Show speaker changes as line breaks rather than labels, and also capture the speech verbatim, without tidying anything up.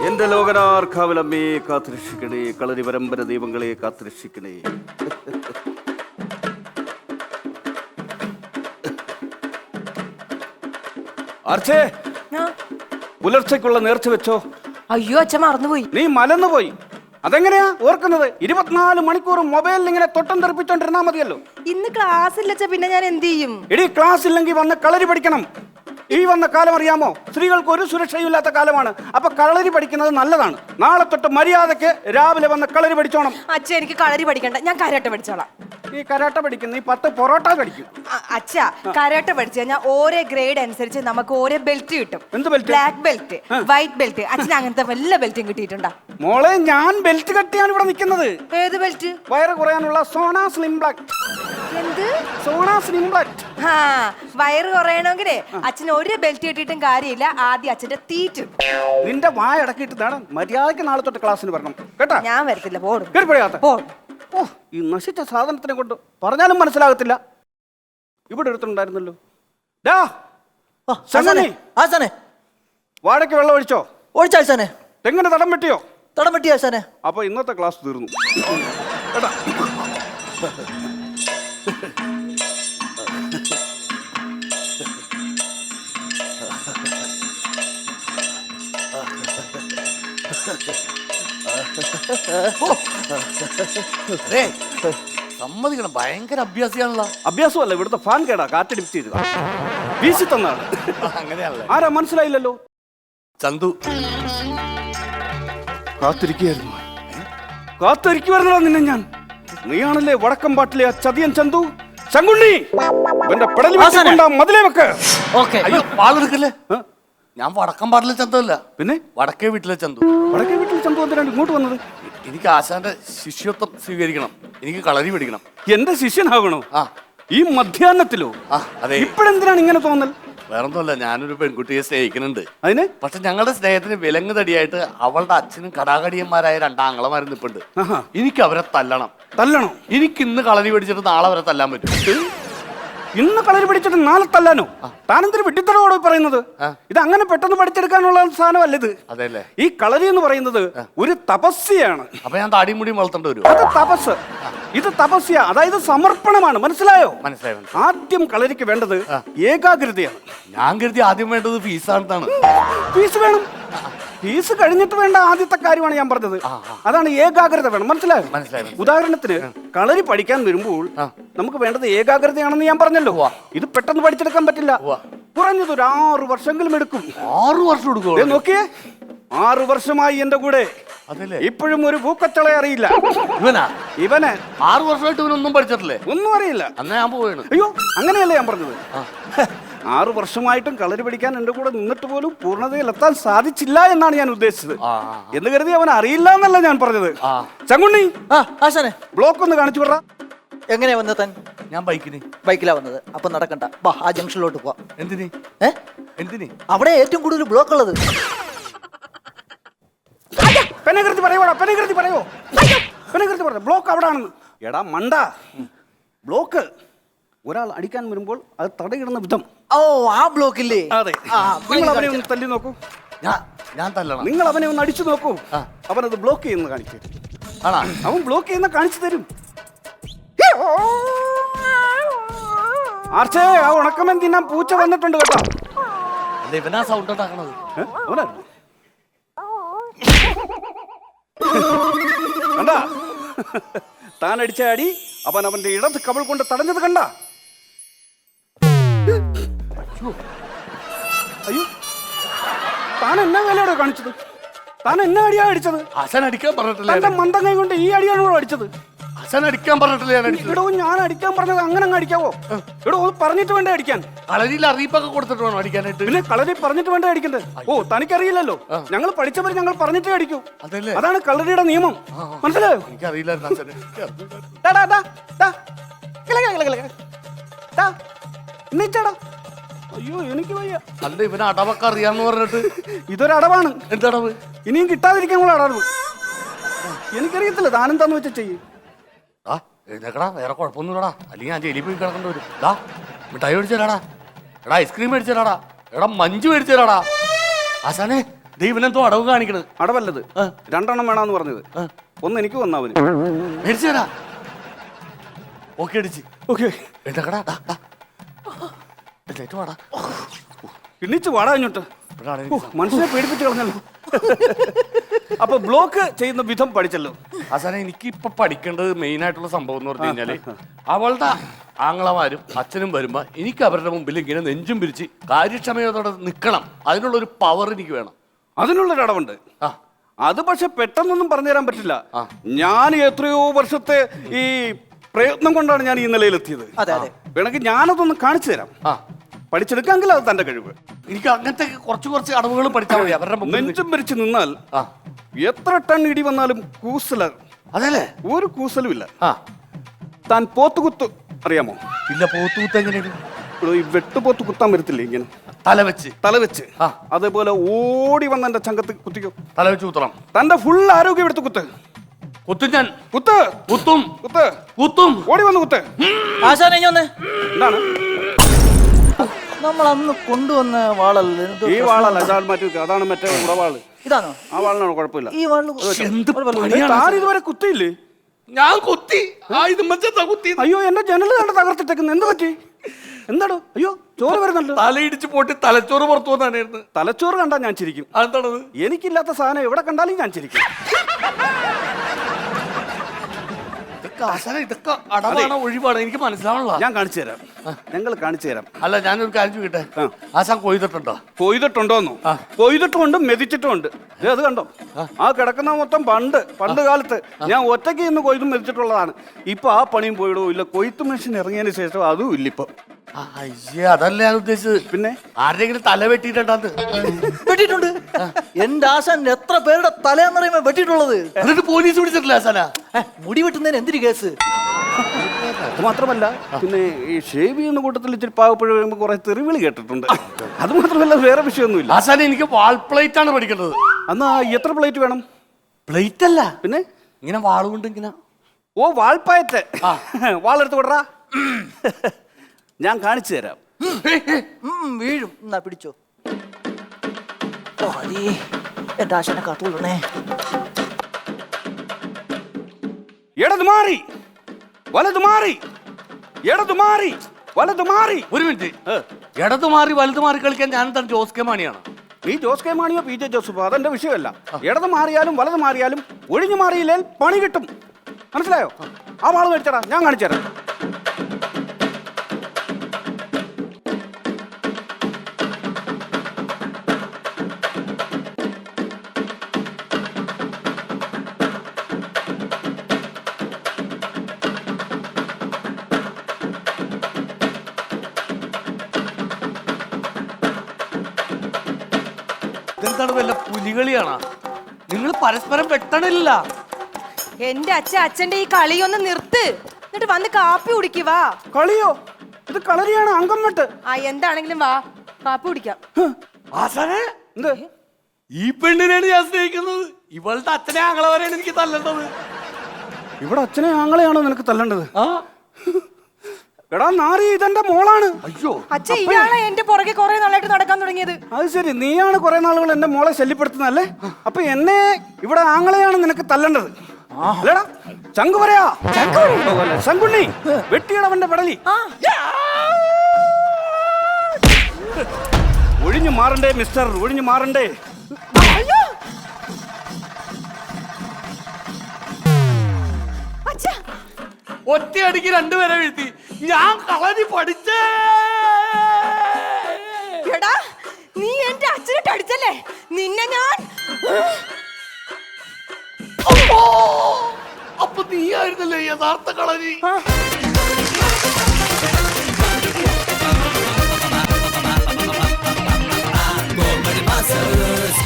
എന്റെ ലോകനാർക്കാവലമ്മേ കാത്തുരക്ഷിക്കണേ, കളരി പരമ്പര ദൈവങ്ങളെ കാത്തുരക്ഷിക്കണേ. ആർച്ചേ, പുലർച്ചയ്ക്കുള്ള നേർച്ച വെച്ചോ?
അയ്യോ അച്ഛൻ മറന്നുപോയി.
നീ മലന്നുപോയി. അതെങ്ങനെയാ ഓർക്കുന്നത്? ഇരുപത്തിനാല് മണിക്കൂർ മൊബൈലിൽ ഇങ്ങനെ തൊട്ടം തെറിപ്പിച്ചോണ്ടിരുന്നാ മതിയല്ലോ.
ഇന്ന് ക്ലാസ് ഇല്ലച്ച, പിന്നെ ഞാൻ എന്ത് ചെയ്യും?
എടി, ക്ലാസ് ഇല്ലെങ്കിൽ വന്ന് കളരി പഠിക്കണം. ഈ വന്ന കാലം അറിയാമോ? സ്ത്രീകൾക്ക് ഒരു സുരക്ഷയില്ലാത്ത കാലമാണ്. അപ്പൊ കളരി പഠിക്കുന്നത് നല്ലതാണ്. നാളെ തൊട്ട് മര്യാദക്ക് രാവിലെ വന്ന് കളരി പഠിച്ചോണം.
അച്ഛൻ എനിക്ക് കളരി പഠിക്കണ്ട, ഞാൻ കരാട്ടെ പഠിച്ചോളാം.
നീ കരാട്ട പഠിക്കും, നീ പത്ത് പൊറോട്ട പഠിക്കും.
അച്ഛ, കരാട്ടെ പഠിച്ചു കഴിഞ്ഞാൽ ഓരോ ഗ്രേഡ് അനുസരിച്ച് നമുക്ക് ഓരോ ബെൽറ്റ് കിട്ടും.
എന്ത് belt?
Black belt, white belt. അച്ഛൻ അങ്ങനത്തെ വല്ല ബെൽറ്റും കിട്ടിയിട്ടുണ്ടോ?
മോളെ, ഞാൻ ബെൽറ്റ് കട്ടിയാണ് ഇവിടെ നിൽക്കുന്നത്.
ഏത് ബെൽറ്റ്?
വയറ് കുറയാനുള്ള സോണ സ്ലിം ബ്ലാക്ക്.
എന്ത്
സോണ സ്ലിം ബ്ലാക്ക്?
ആ, വയറ് കുറയണമെങ്കിലേ അച്ഛൻ ഒരു ബെൽറ്റ് കിട്ടിയിട്ടും കാര്യമില്ല, ആദ്യം അച്ഛന്റെ തീറ്റും.
നിന്റെ വായ അടക്കിയിട്ട് മര്യാദക്ക് നാളെ തൊട്ട് ക്ലാസ്സിന് വരണം കേട്ടാ.
ഞാൻ വരത്തില്ല, പോടും.
പോ. ഓ, ഈ നശിച്ച സാധനത്തിനെ കൊണ്ട് പറഞ്ഞാലും മനസ്സിലാകത്തില്ല. ഇവിടെ എടുത്തിട്ടുണ്ടായിരുന്നല്ലോ. വാഴയ്ക്ക് വെള്ളം ഒഴിച്ചോ?
ഒഴിച്ചാഴ്ചാനെ.
തെങ്ങിന് തടം വെട്ടിയോ?
തടം വെട്ടി ആഴ്ചാനെ.
അപ്പൊ ഇന്നത്തെ ക്ലാസ് തീർന്നു കേട്ടാ.
സമ്മതിക്കണം, ഭയങ്കര അഭ്യാസിയാണല്ലോ.
അഭ്യാസമല്ല, ഇവിടുത്തെ ഫാൻ കേടാ, കാറ്റടിപ്പിച്ച് ചെയ്തതാ, വീശി തന്നാണ്.
അങ്ങനെയാണല്ലോ.
ആരാ മനസ്സിലായില്ലല്ലോ?
ചന്തു.
കാത്തിരിക്കുകയായിരുന്നു കാത്തിരിക്കുവായിരുന്നോ നിന്നെ ഞാൻ. നീയാണല്ലേ വടക്കം പാട്ടിലെ ആ ചതിയൻ ചന്തു. ശങ്കുണ്ണി, ഇവന്റെ പെടലി മതിലേ വെക്ക്.
വാളെടുക്കല്ലേ. ഞാൻ വടക്കം പാട്ടിലെ ചന്തു അല്ല,
പിന്നെ
വടക്കേ വീട്ടിലെ ചന്തു.
വടക്കേ വീട്ടിലെ ചന്തു എന്തിനാണ് ഇങ്ങോട്ട് വന്നത്?
എനിക്ക് ആശാന്റെ ശിഷ്യത്വം സ്വീകരിക്കണം, എനിക്ക് കളരി പഠിക്കണം.
എന്റെ ശിഷ്യനാകണോ?
ആ.
ഈ മധ്യാഹ്നത്തിലോ?
ആ, അതെ.
ഇപ്പോഴെന്തിനാണ് ഇങ്ങനെ തോന്നൽ?
വേറൊന്നുമല്ല, ഞാനൊരു പെൺകുട്ടിയെ സ്നേഹിക്കുന്നുണ്ട്.
അതിന്? പക്ഷെ
ഞങ്ങളുടെ സ്നേഹത്തിന് വിലങ്ങ് തടിയായിട്ട് അവളുടെ അച്ഛനും കടാകടിയന്മാരായ രണ്ടാങ്ങളമാരും നിൽപ്പുണ്ട്. എനിക്ക് അവരെ തല്ലണം.
തല്ലണോ?
എനിക്ക് ഇന്ന് കളരി പഠിച്ചിട്ട് നാളെ അവരെ തല്ലാൻ പറ്റും.
ഇന്ന് കളരി പഠിച്ചിട്ട് നാളെ തല്ലാനോ? താനെന്തൊരു വെട്ടിത്തറോടോ പറയുന്നത്? ഇത് അങ്ങനെ പെട്ടെന്ന് പഠിച്ചെടുക്കാനുള്ള സാധനമല്ല ഇത്.
അതെല്ലേ?
ഈ കളരി എന്ന് പറയുന്നത് ഒരു തപസ്യയാണ്.
അപ്പൊ ഞാൻ താടിയും മുടിയും വളർത്തേണ്ടി വരും.
അത് തപസ്, ഇത് തപസ്യ, അതായത് സമർപ്പണമാണ്. മനസ്സിലായോ?
മനസ്സിലായി.
ആദ്യം കളരിക്ക് വേണ്ടത് ഏകാഗ്രതയാണ്.
ഞാൻ കരുതി ആദ്യം വേണ്ടത് ഫീസാണെന്നാണ്.
ഫീസ് വേണം, ഫീസ് കഴിഞ്ഞിട്ട് വേണ്ട ആദ്യത്തെ കാര്യമാണ് ഞാൻ പറഞ്ഞത്. അതാണ് ഏകാഗ്രത വേണം. മനസ്സിലായോ?
മനസ്സിലായി.
ഉദാഹരണത്തിന് കളരി പഠിക്കാൻ വരുമ്പോൾ നമുക്ക് വേണ്ടത് ഏകാഗ്രതയാണെന്ന് ഞാൻ പറഞ്ഞല്ലോ. ഇത് പെട്ടെന്ന് പഠിച്ചെടുക്കാൻ പറ്റില്ല. കുറഞ്ഞത് ഒരു ആറു വർഷമെങ്കിലും എടുക്കും.
ആറു വർഷം എടുക്കും?
നോക്കിയേ, ആറു വർഷമായി എന്റെ കൂടെ, ഇപ്പോഴും ഒരു പൂക്കച്ചളെ അറിയില്ല.
ഇവനാ?
ഇവന്
ആറു വർഷമായിട്ട് ഇവനൊന്നും പഠിച്ചിട്ടില്ലേ?
ഒന്നും അറിയില്ല.
അന്ന് ഞാൻ പോവാണ്.
അയ്യോ, അങ്ങനെയല്ലേ ഞാൻ പറഞ്ഞത്. ആറു വർഷമായിട്ടും കളരി പഠിക്കാൻ എന്റെ കൂടെ നിന്നിട്ട് പോലും പൂർണ്ണതയിലെത്താൻ സാധിച്ചില്ല എന്നാണ് ഞാൻ ഉദ്ദേശിച്ചത്. എന്ന് കരുതി അവൻ അറിയില്ല എന്നല്ല ഞാൻ പറഞ്ഞത്. ചങ്കുണ്ണി, ബ്ലോക്ക് ഒന്ന് കാണിച്ചു വിട.
എങ്ങനെയാ വന്നത് താൻ? ഞാൻ ബൈക്കിന്. ബൈക്കിലാ വന്നത്. അപ്പൊ നടക്കണ്ട, ബാ ആ ജംഗ്ഷനിലോട്ട് പോവാം. എന്തിന്? ഏ എന്തിന്? അവിടെ ഏറ്റവും കൂടുതൽ ബ്ലോക്ക് ഉള്ളത്.
പെനകൃതി പറയോടാ, പെനകൃതി പറയോ, പെനകൃതി പറ. ബ്ലോക്ക് അവിടെ ആണെന്ന്. എടാ മണ്ട, ബ്ലോക്ക് ഒരാൾ അടിക്കാൻ വരുമ്പോൾ അത് തടയിടുന്ന വിധം.
ഓ, ആ ബ്ലോക്കില്ലേ?
അതെ. നിങ്ങൾ അവനെ ഒന്ന് തല്ലി നോക്കൂ.
ഞാൻ തല്ലണം? നിങ്ങൾ
അവനെ ഒന്ന് അടിച്ചു നോക്കൂ. അവനത് ബ്ലോക്ക് ചെയ്യുന്ന കാണിക്കും. അവൻ ബ്ലോക്ക് ചെയ്യുന്ന കാണിച്ചു തരും. ആർച്ചേ, ആ ഉണക്കമൻ തിന്നാൻ പൂച്ച വന്നിട്ടുണ്ട് കേട്ടോ.
ഇവനാ സൗണ്ട് ഉണ്ടാക്കണത്.
കണ്ടാ, താൻ അടിച്ച അടി അവൻ അവന്റെ ഇടത് കവൾ കൊണ്ട് തടഞ്ഞത് കണ്ട. അയ്യോ, താൻ എന്നാ വേലയോടെ കാണിച്ചത്? താൻ എന്നാ അടിയാ അടിച്ചത്?
ആശാൻ അടിക്കാൻ പറഞ്ഞിട്ടില്ല.
മന്ദങ്ങ കൊണ്ട് ഈ അടിയാണോ അടിച്ചത്?
ആശാൻ അടിക്കാൻ പറഞ്ഞിട്ടില്ല.
ഇടോ, ഞാൻ അടിക്കാൻ പറഞ്ഞത് അങ്ങനെ അങ്ങ് അടിക്കാവോ? ഇടോ, പറഞ്ഞിട്ട് വേണ്ടേ അടിക്കാൻ?
കളരിയിൽ അറിയിപ്പൊക്കെ കൊടുത്തിട്ട് വേണം അടിക്കാനായിട്ട്. പിന്നെ
കളരി പറഞ്ഞിട്ട് വേണ്ടേ അടിക്കണ്ടേ? ഓ, തനിക്കറിയില്ലല്ലോ. ഞങ്ങൾ പഠിച്ചവർ ഞങ്ങൾ പറഞ്ഞിട്ടേ അടിക്കൂ. അതാണ് കളരിയുടെ നിയമം. മനസ്സിലായോ?
എനിക്കറിയില്ല.
അയ്യോ, എനിക്ക് വയ്യ.
അല്ല, ഇവന് അടവൊക്കെ അറിയാന്ന് പറഞ്ഞിട്ട്.
ഇതൊരടവാണ്.
എന്തടവ്?
ഇനിയും കിട്ടാതിരിക്കാനുള്ള അടവ്. എനിക്കറിയത്തില്ല, താനെന്താന്ന് വെച്ചാ ചെയ്യും.
ആ, എഴുന്നേക്കടാ, വേറെ കുഴപ്പമൊന്നുമില്ലടാ, അല്ലെങ്കിൽ ഞാൻ ജയിലിൽ പോയി കിടക്കേണ്ടി വരും. ഡാ, മിഠായി മേടിച്ചു തരാടാ. എടാ, ഐസ്ക്രീം മേടിച്ചു തരാടാ. എടാ, മഞ്ച് മേടിച്ചു തരാടാ. ആശാനെ,
ദൈവനെന്തോ അടവ് കാണിക്കണത്.
അടവല്ലത്, രണ്ടെണ്ണം വേണമെന്ന് പറഞ്ഞത്. ഒന്ന് എനിക്ക് വന്നവന്
മേടിച്ചു തരാ. ഓക്കെ അടിച്ച്.
ഓക്കെ
എഴുതക്കടാ. വാടാ.
എണ്ണിച്ച് വാടാ ഇങ്ങോട്ട്.
ഇപ്പോഴാണ്
ഓ, മനുഷ്യനെ പേടിപ്പിച്ച് കളഞ്ഞല്ലോ. അപ്പൊ ബ്ലോക്ക് ചെയ്യുന്ന വിധം പഠിച്ചല്ലോ.
അവസാനം എനിക്ക് ഇപ്പൊ പഠിക്കേണ്ടത് മെയിൻ ആയിട്ടുള്ള സംഭവം എന്ന് പറഞ്ഞു കഴിഞ്ഞാല് അവളുടെ ആങ്ങളമാരും അച്ഛനും വരുമ്പോ എനിക്ക് അവരുടെ മുമ്പിൽ ഇങ്ങനെ നെഞ്ചും പിരിച്ച് കാര്യക്ഷമയോടെ നിൽക്കണം. അതിനുള്ള ഒരു പവർ എനിക്ക് വേണം.
അതിനുള്ളൊരു അടവുണ്ട്.
ആ
അത് പക്ഷെ പെട്ടെന്നൊന്നും പറഞ്ഞു തരാൻ പറ്റില്ല. ഞാൻ എത്രയോ വർഷത്തെ ഈ പ്രയത്നം കൊണ്ടാണ് ഞാൻ ഈ നിലയിലെത്തിയത്. വേണമെങ്കിൽ ഞാനതൊന്ന് കാണിച്ചു തരാം.
ആ
പഠിച്ചെടുക്കാമെങ്കിൽ അത് തന്റെ കഴിവ്.
എനിക്ക് അങ്ങനത്തെ കുറച്ച് കുറച്ച് അടവുകൾ പഠിച്ചാൽ മതി. അവരുടെ മുമ്പിൽ
നെഞ്ചും പിരിച്ച് നിന്നാൽ
ആ
എത്ര ടൺ ഇടി വന്നാലും കൂസല,
അതല്ലേ
ഒരു കൂസലും ഇല്ല.
ആ
താൻ പോത്തുകുത്ത് അറിയാമോ?
ഇല്ല. പോത്തൂത്ത് എങ്ങനെയാണ്?
ഇവിടെ ഈ വെട്ടുപോത്ത് കുത്താൻ വരത്തില്ലേ ഇങ്ങനെ
തല വെച്ച്
തല വെച്ച്?
ആ.
അതേപോലെ ഓടി വന്ന എന്റെ ചങ്കത്ത് കുത്തിക്കോ.
തല വെച്ച് കുത്തണം.
തന്റെ ഫുൾ ആരോഗ്യം എടുത്ത് കുത്ത്.
കുത്തും ഞാൻ.
കുത്ത്
കുത്തും
കുത്ത്
കുത്തും.
ഓടി വന്ന് കുത്ത്.
ആശാനെ ഇങ്ങ് വന്നേ.
എന്താണ്
നമ്മൾ അന്ന് കൊണ്ടുവന്ന വാളല്ലേ? എന്തോ
ഈ വാളല്ല, അതാണ് മറ്റേ അതാണ് മറ്റേ ഉടവാള്.
ഇതാണോ?
ആ വാളിനാണോ കുഴപ്പമില്ല.
ഈ വാള്
എന്ത്
താൻ ഇതുവരെ കുത്തിയില്ലേ?
ഞാൻ കുത്തി. ആ ഇത് മച്ചാ കുത്തി.
അയ്യോ എന്റെ ജനല് കണ്ട് തകർത്തിട്ടേക്കുന്നു. എന്ത് പറ്റി? എന്താടോ? അയ്യോ ചോറ് വരുന്നല്ലോ.
തലയിടിച്ച് പോയിട്ട് തലച്ചോറ് പുറത്തു വന്നായിരുന്നു.
തലച്ചോറ് കണ്ടാ ഞാൻ ചിരിക്കും.
അതെന്താണത്?
എനിക്കില്ലാത്ത സാധനം എവിടെ കണ്ടാലും ഞാൻ ചിരിക്കും.
ഇതൊക്കെ അടവാണോ ഒഴിവാണോ എനിക്ക് മനസ്സിലാവണല്ലോ.
ഞാൻ കാണിച്ചു തരാം. ഞങ്ങൾ കാണിച്ചു തരാം.
അല്ല ഞാനൊരു കാര്യം ചോദിക്കട്ടെ. ആശാൻ കൊയ്തിട്ടുണ്ടോ?
കൊയ്തിട്ടുണ്ടോന്നോ? കൊയ്തിട്ടുമുണ്ട്, മെതിച്ചിട്ടുമുണ്ട്. ദേ അത് കണ്ടോ? ആ കിടക്കുന്ന മൊത്തം പണ്ട് പണ്ട് കാലത്ത് ഞാൻ ഒറ്റയ്ക്ക് ഇന്ന് കൊയ്തും മെതിച്ചിട്ടുള്ളതാണ്. ഇപ്പൊ ആ പണിയും പോയിടോ ഇല്ല. കൊയ്ത്ത് മെഷീൻ ഇറങ്ങിയതിന് ശേഷം അതും ഇല്ല ഇപ്പൊ.
അയ്യേ അതല്ല ഞാൻ ഉദ്ദേശിച്ചത്.
പിന്നെ
ആരുടെങ്കിലും തല വെട്ടിയിട്ടുണ്ടാന്ന്?
വെട്ടിയിട്ടുണ്ട്. എന്റെ ആശാൻ എത്ര പേരുടെ തലയെന്നറിയുമ്പോ വെട്ടിയിട്ടുള്ളത്.
എന്നിട്ട് പോലീസ് പിടിച്ചിട്ടില്ല ആശാനാ?
മുടി വെട്ടുന്നതിന് എന്തിനു കേസ്?
അത് മാത്രമല്ല, പിന്നെ ഈ ഷേവ് ചെയ്യുന്ന കൂട്ടത്തിൽ ഇച്ചിരി പാവപ്പുഴ വരുമ്പോൾ കുറെ തെറിവിളി കേട്ടിട്ടുണ്ട്. അത് മാത്രമല്ല വേറെ വിഷയമൊന്നുമില്ല.
ആശാൻ എനിക്ക് വാൾ പ്ലേറ്റ് ആണ് പഠിക്കേണ്ടത്.
എന്നാ എത്ര പ്ലേറ്റ് വേണം?
പ്ലേറ്റ് അല്ല,
പിന്നെ
ഇങ്ങനെ വാളുകൊണ്ട് ഇങ്ങനെ.
ഓ വാൾപ്പായറ്റ്. വാളെടുത്ത് വിടറാ. ഞാൻ കാണിച്ചു തരാം.
വീഴും. എന്നാ പിടിച്ചോ. എന്റെ ആശാനെ കാത്തോളണേ.
ഇടത് മാറി വലത് മാറി, ഇടത് മാറി വലത് മാറി.
ഒരു മിനിറ്റ്. ഇടത് മാറി വലത് മാറി കളിക്കാൻ ഞാൻ എന്താണ് ജോസ് കെ മാണിയാണ്?
നീ ജോസ് കെ മാണിയോ പി ജെ ജോസഫോ അതെന്റെ വിഷയമല്ല. ഇടത് മാറിയാലും വലത് മാറിയാലും ഒഴിഞ്ഞു മാറിയില്ലേ പണി കിട്ടും. മനസ്സിലായോ? ആ വാള് മേടിച്ചടാ, ഞാൻ കാണിച്ചു തരാം.
ഇതെന്താണ് വല്ല പുലികളിയാണോ? നിങ്ങൾ പരസ്പരം വെട്ടണില്ല.
എന്റെ അച്ഛൻ അച്ഛന്റെ ഈ കളിയൊന്ന് നിർത്ത്. എന്നിട്ട് വന്ന് കാപ്പി കുടിക്കുവാ.
കളിയോ? ഇത് കളരിയാണ്, അംഗം വെട്ട്.
ആ എന്താണെങ്കിലും വാ, കാപ്പി കുടിക്കാം.
ആശാനെ
എന്ത്?
ഈ പെണ്ണിനെയാണ് ഞാൻ സ്നേഹിക്കുന്നത്. ഇവളുടെ അച്ഛനെ ആങ്ങളെ വരെയാണ് എനിക്ക് തല്ലേണ്ടത്.
ഇവിടെ അച്ഛനെ ആങ്ങളെയാണോ നിനക്ക് തല്ലേണ്ടത്?
ആ
എടാ നാരി, ഇതെന്റെ മോളാണ്.
അയ്യോ
അച്ഛൻ ഇയാളെ എന്റെ പുറകെ കുറെ നാളായിട്ട് നടക്കാൻ തുടങ്ങിയത്.
അത് ശരി, നീയാണ് കുറെ നാളുകൾ എന്റെ മോളെ ശല്യപ്പെടുത്തുന്നല്ലേ? അപ്പൊ എന്നെ ഇവിടെ ആങ്ങളെയാണ് നിനക്ക് തല്ലേണ്ടത് അല്ലേടാ? ചങ്കു പറയാ, ശങ്കുണ്ണി വെട്ടിയിടവന്റെ പടലി. ഒഴിഞ്ഞു മാറണ്ടേ മിസ്റ്റർ, ഒഴിഞ്ഞു മാറണ്ടേ.
ഒറ്റയടിക്ക് രണ്ടുപേരെ വീഴ്ത്തി. ഞാൻ കളരി പഠിച്ചേ.
എടാ നീ എന്റെ അച്ഛനിട്ട് അടിച്ചല്ലേ? നിന്നെ ഞാൻ.
അപ്പൊ നീയായിരുന്നല്ലേ യഥാർത്ഥ കളരി?
Gomar masas